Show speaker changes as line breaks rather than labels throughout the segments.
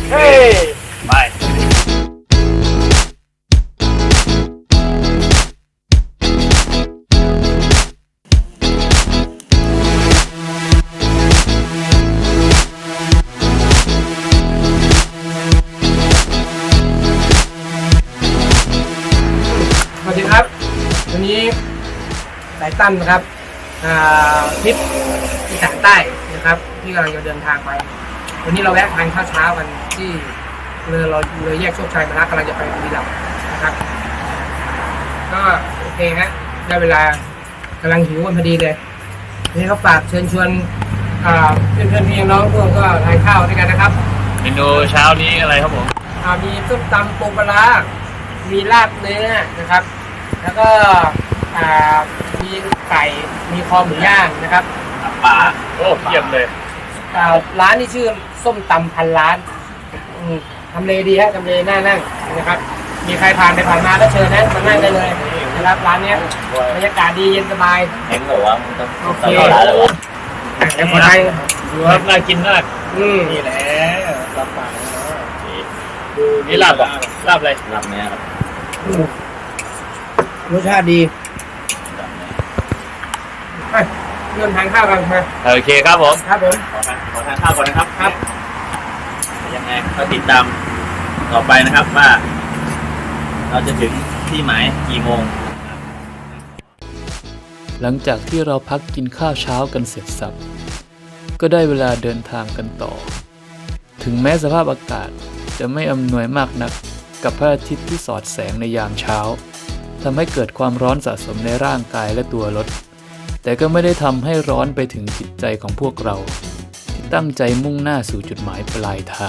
เฮ้ยไป
สวัสดีครับวันนี้สายตั้มนะครับทริปอีสานใต้นะครับที่กำลังจะเดินทางไปวันนี้เราแวะทานข้าวเช้ากันที่เลยแยกโชคชัยมาแล้วกำลังจะไปบุรีรัมย์นะครับก็โอเคฮะได้เวลากำลังหิวกันพอดีเลยวันนี้เขาฝากเชิญชวนเพื่อนๆพี่น้องพวกก็ทานข้าวด้วยกันนะครับ
เมนูเช้านี้อะไรครับผม
มีส้มตำปูปลาร้ามีลาบเนื้อนะครับแล้วก็มีไก่มีคอหมูย่างนะครับ
ปลาโอ้เยี่ยมเลย
ร้านนี้ชื่อส้มตำพันล้านทำเลดีฮะทำเลน่านั่งนะครับมีใครผ่านไปผ่านมาก็เชิญนะมานั่งได้เลยนะครับร้านนี้บรรยากาศดีเย็นสบาย
เห็นเหรอวะมันต้อง
โอเค
ร้านเลยวะ
แต่คนไทย
ดูครับน่ากินมาก
นี่แหละ
รับปากนี่ลาบอ่ะลาบอะไรลาบเนี้ยครับ
รสชาติดีไปเริ่มทานข้าวกันมา
โอเคครับผม
ครับผม
ขอทานข้าวก่อนนะครับ
ครับ
ยังไงก็ติดตามต่อไปนะครับว่า เราจะถึงที่หมายกี่โมง
หลังจากที่เราพักกินข้าวเช้ากันเสร็จสับก็ได้เวลาเดินทางกันต่อ ถึงแม้สภาพอากาศจะไม่อำนวยมากนักกับพระอาทิตย์ที่สอดแสงในยามเช้าทำให้เกิดความร้อนสะสมในร่างกายและตัวรถแต่ก็ไม่ได้ทำให้ร้อนไปถึงจิตใจของพวกเราที่ตั้งใจมุ่งหน้าสู่จุดหมายปลายทาง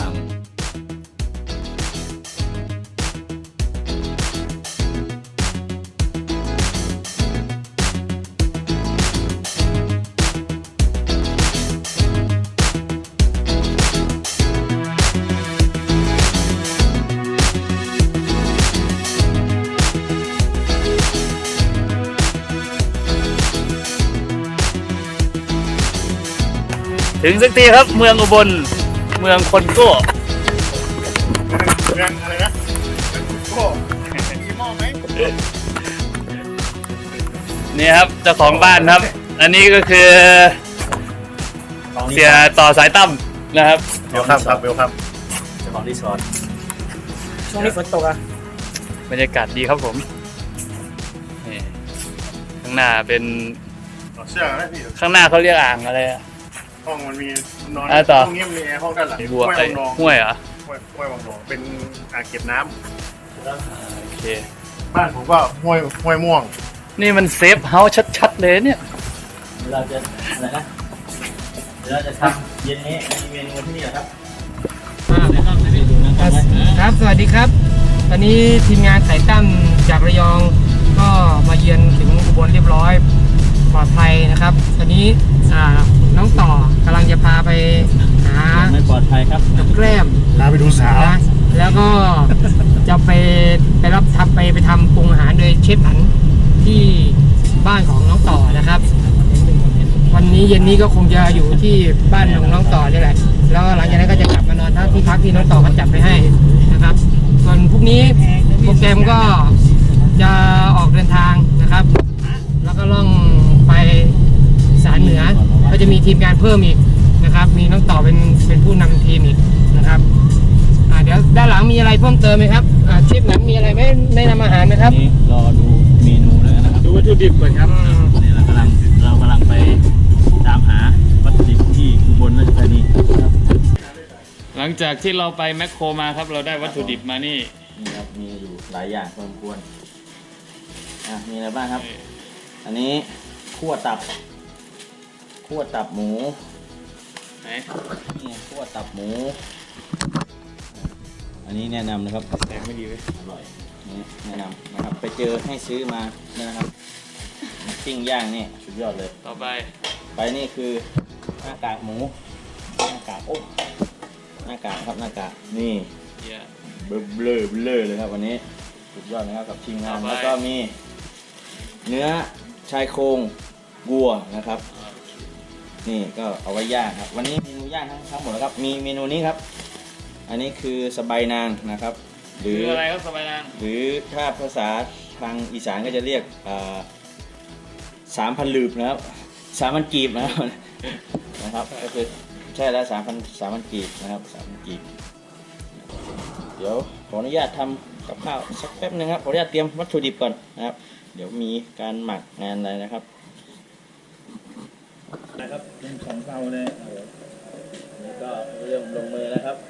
ถึงสักทีครับเมืองอุบลเมืองคนโก้
เรื่องอะไรนะโก้มีหม้อไหม
นี่ครับเจ้าของบ้านครับ อันนี้ก็คือเสียต่อสายตั้มนะครับ
เวลคัมครับเวลคัม
เจ้าของรีสอร์ท
ช่วงนี้ฝนตกอ่ะ
บรรยากาศดีครับผมนี่ข้างหน้าเป็น
เสื้อนะพี่
ข้างหน้าเขาเรียกอ่างอะไรอะ
ห้องมันมีนอน
ต่อ
ห้องนี้มีแอร์ห้องด้านหลัง
บัว
ห้วย
ไอ้
วังนอง
ห้วยเหรอ
ห้วยวังนองเป็นอ่างเก็บน้
โอเค
ำบ้านผมก็ห้วยม่วง
นี่มันเซฟเฮาส์ชัดๆเลยเนี่ย
เราจะอะไรนะเดี๋ยวเราจะทำเย็นนี้มีเมนูที่นี่เหรอครับ
ครับสวัสดีครับ ตอนนี้ทีมงานสายตั้มจากระยองก็มาเยือนถึงอุบลเรียบร้อยปลอดภัยนะครับ ตอนนี้น้องต่อกำลังจะพาไปหา
ไม่ปลอดภัยครับ
กับแกล้ม
พาไปดูสาว
นะแล้วก็จะไปรับไปทำปรุงอาหารโดยเชฟหนันที่บ้านของน้องต่อนะครับ วันนี้เย็นนี้ก็คงจะอยู่ที่บ้านของน้องต่อนี่แหละแล้วหลังจากนั้นก็จะกลับมานอนที่พักที่น้องต่อเขาจัดไปให้นะครับ ส่วนพรุ่งนี้โปรแกรมก็จะออกเดินทางนะครับ แล้วก็ล่องไปอีสานเหนือก็จะมีทีมงานเพิ่มอีกนะครับ มีน้องต่อเป็นผู้นำทีมอีกนะครับเดี๋ยวด้านหลังมีอะไรเพิ่มเติมไหมครับเชฟหนังมีอะไรไหมแนะนำอาหารไหมครับ
นี้รอดูเมนูแล้วนะครับ
ดูวัตถุดิบก่อนครับ
นี่เรากำลังไปตามหาวัตถุดิบที่อุบลราชธานีครับ
หลังจากที่เราไปแมคโครมาครับ เราได้วัตถุดิบมานี่
นี่ครับมีอยู่หลายอย่างพอสมควรมีอะไรบ้างครับ อันนี้คั่วตับหมู
ไหน
นี่คั่วตับหมู อันนี้แนะนำนะครับ
แตกไม่ดีเว้ย
อร่อยนี่แนะนำนะครับไปเจอให้ซื้อมานะครับปิ้งย่างนี่สุดยอดเลย
ต่อไป
ไปนี่คือหน้ากากหมูหน้ากากหน้ากากครับหน้ากากนี่
เยี่ย
เบลอเลยครับวันนี้สุดยอดนะครับกับทีมงาน
ต่อไป
แล้วก็มีเนื้อชายโครงวัวนะครับ นี่ก็เอาไว้ย่างครับวันนี้เมนูย่างทั้งหมดนะครับมีเมนูนี้ครับอันนี้คือสบายนางนะครับ หรืออะไรครับสบายนางหรือถ้าภาษาทางอีสานก็จะเรียก3,000 ลืบนะครับ3,000 กีบนะครับก็คือใช่แล้ว3,000 กีบนะครับ3,000 กีบเดี๋ยวขออนุญาตทำกับข้าวสักแป๊บนึงครับขออนุญาตเตรียมวัตถุดิบก่อนนะครับเดี๋ยวมีการหมักงานอะไรนะครับเป็นของเตาเลยนี่ก็เริ่มลงมือแล้วครับ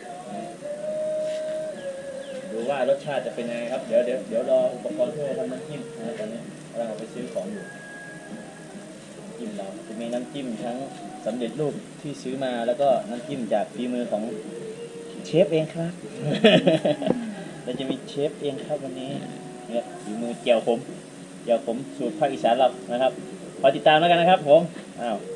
ดูว่ารสชาติจะเป็นยังไงครับเดี๋ยวรออุปกรณ์ที่เราทำน้ำจิ้มนะตอนนี้เราไปซื้อของอยู่จิ้มเราจะมีน้ำจิ้มทั้งสำเร็จรูปที่ซื้อมาแล้วก็น้ำจิ้มจากฝีมือของเชฟเองครับ เราจะมีเชฟเองครับวันนี้เนี่ยฝีมือเจียวผมสูตรภาคอีสานเรานะครับคอยติดตามแล้วกันนะครับผมอ้าว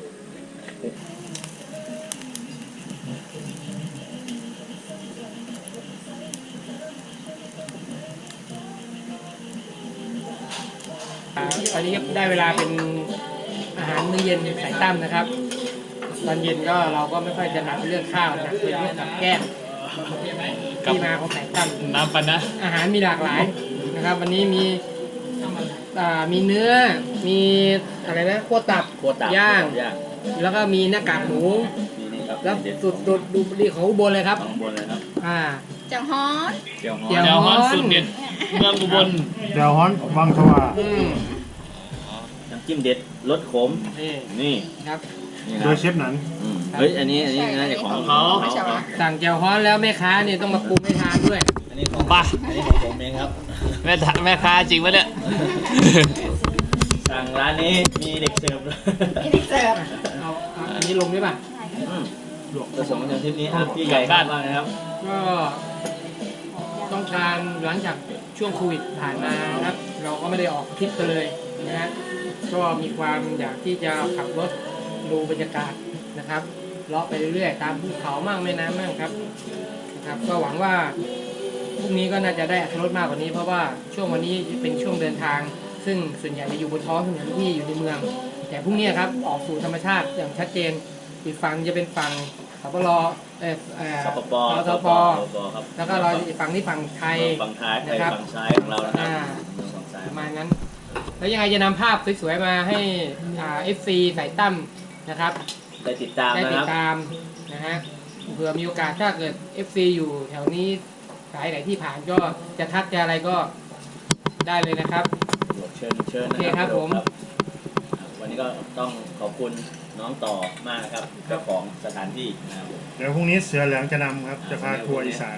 ตอนนี้ได้เวลาเป็นอาหารมื้อเย็นสายตั้มนะครับตอนเย็นก็เราก็ไม่ค่อยจะหนักเรื่องข้าวหนักเป็นเรื่องกับแก้มที่มาของสายตั้มน้ำปันนะอาหารมีหลากหลายนะครับวันนี้มีเนื้อมีอะไรนะขั้วตับย่างแล้วก็มีหน้ากากหมูแล้วสุดดูดีของอุบลเลยครับเจ้าฮ้อนสุดเด็ดเมืองอุบล
เดี๋ยวฮ้อนวังสว่าง
น้ำจิ้มเด็ดรสขมนี่
ครับ
โดยเชฟนั้น
เฮ้ยอันนี้น่าจะของเขา
สั่งเจียวฮ้อนแล้วแม่ค้าเนี่ยต้องมาปรุงให้ทานด้วย
อันนี้ของป้าอันนี้ของผมเองครับ
แม่ค้าจริงปะเนี่ย
สั่งร้านนี้มีเด็กเสิร์ฟ
เอาอันนี้ลงได้ป่ะ
ผสมกันทริปนี้พี่ใหญ่บ้านมากนะครับ
ก็ต้องการหลังจากช่วงโควิดผ่านมานะครับเราก็ไม่ได้ออกทริปกันเลยนะฮะก็มีความอยากที่จะขับรถดูบรรยากาศนะครับเลาะไปเรื่อยๆตามภูเขามั่งแม่น้ำมั่งครับนะครับก็หวังว่าพรุ่งนี้ก็น่าจะได้อรรถรสมากกว่านี้เพราะว่าช่วงวันนี้เป็นช่วงเดินทางซึ่งส่วนใหญ่จะอยู่บนท้องถนนที่อยู่ในเมืองแต่พรุ่งนี้ครับออกสู่ธรรมชาติอย่างชัดเจนอีกฝั่งจะเป็นฝั่งสปป.แล้วก็เราอีกฝั่งนี้ฝั่งไทย
นะครับฝั่งซ้ายของเรานะครับ
ประมาณนั้นแล้วยังไงจะนำภาพสวยๆมาให้FC สายตั้มนะครับ
ได้ติดตาม
นะฮะเผื่อมีโอกาสถ้าเกิด FC อยู่แถวนี้สายไหนที่ผ่านก็จะทักจะอะไรก็ได้เลยนะครับ
เชิญ
โอเคครับผม
วันนี้ก็ต้องขอบคุณน้องต่อมากครับเจ้าของสถานที่นะครับ
เดี๋ยวพรุ่งนี้เสือเหลืองจะนำครับจะพาทัวร์อีสาน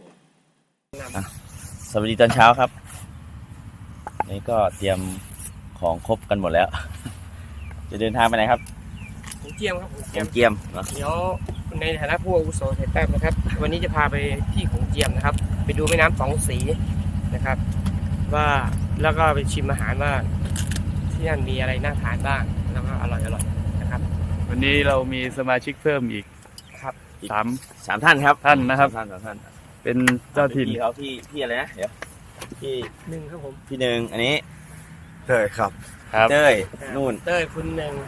สวัสดีตอนเช้าครับนี่ก็เตรียมของครบกันหมดแล้วจะเดินทางไปไหนครับ
เจียมครับ
เจียม
เดี๋ยวในฐานะผู้อาวุโสสายแต้มนะครับวันนี้จะพาไปที่ของเจียมนะครับไปดูแม่น้ำสองสีนะครับว่าแล้วก็ไปชิมอาหารว่าที่นั่นมีอะไรน่าทานบ้างแล้วก็อร่อยนะครับ
วันนี้เรามีสมาชิกเพิ่มอีก
ครับ
สามท่านครับท่านนะครับ
ท่าน
เป็นเจ้าถิ่น
เขาพี่อะไรนะเดี๋ยวพี่
หนึ่งครับผม
พี่หนึ่งอันนี้
เต้ยครับ
เต้ยนู่น
เต้ยคุณหนึ่ง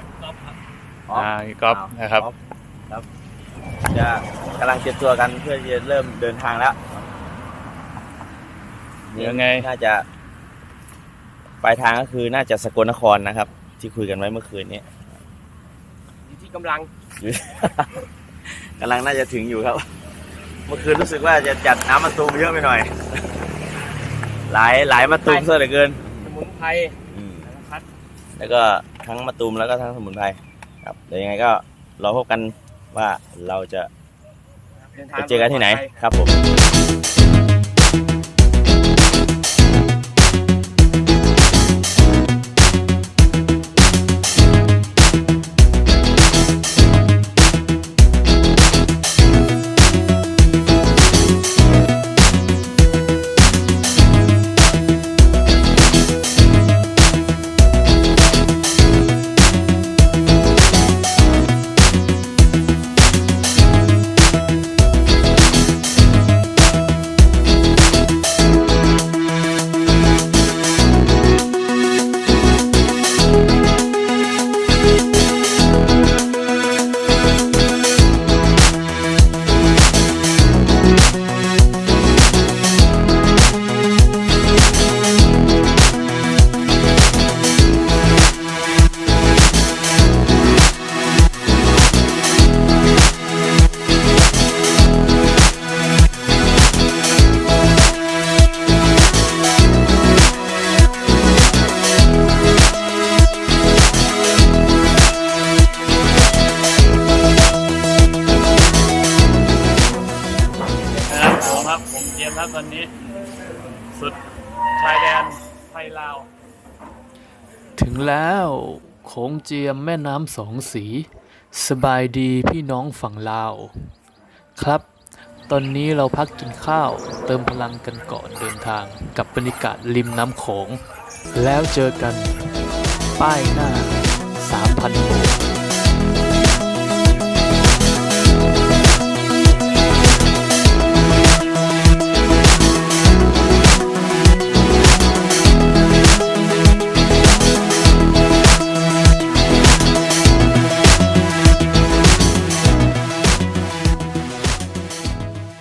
ก๊อฟนะครับ
จะกำลังเตรียมตัวกันเพื่อจะเริ่มเดินทางแล้ว
ยังไง
น่าจะปลายทางก็คือน่าจะสกลนครนะครับที่คุยกันไว้เมื่อคืนนี้
อยู่ที่กำลัง
น่าจะถึงอยู่ครับเมื่อคืนรู้สึกว่าจะจัดน้ำมะตูมเยอะไปหน่อยหลายมะตูมเยอะเหลือเกิน
สมุนไพร
แล้วก็ทั้งมะตูมแล้วก็ทั้งสมุนไพรครับเดี๋ยวยังไงก็รอพบกันว่าเราจะไปเจอกันที่ไหนครับผม
ยมครับตอนนี้ สุดชายแดนไทยลาว
ถึงแล้วโขงเจียมแม่น้ำสองสี สบายดีพี่น้องฝั่งลาว ครับ ตอนนี้เราพักกินข้าวเติมพลังกันก่อนเดินทางกับบรรยากาศริมน้ำโขง แล้วเจอกันป้ายหน้า 3,000 โบก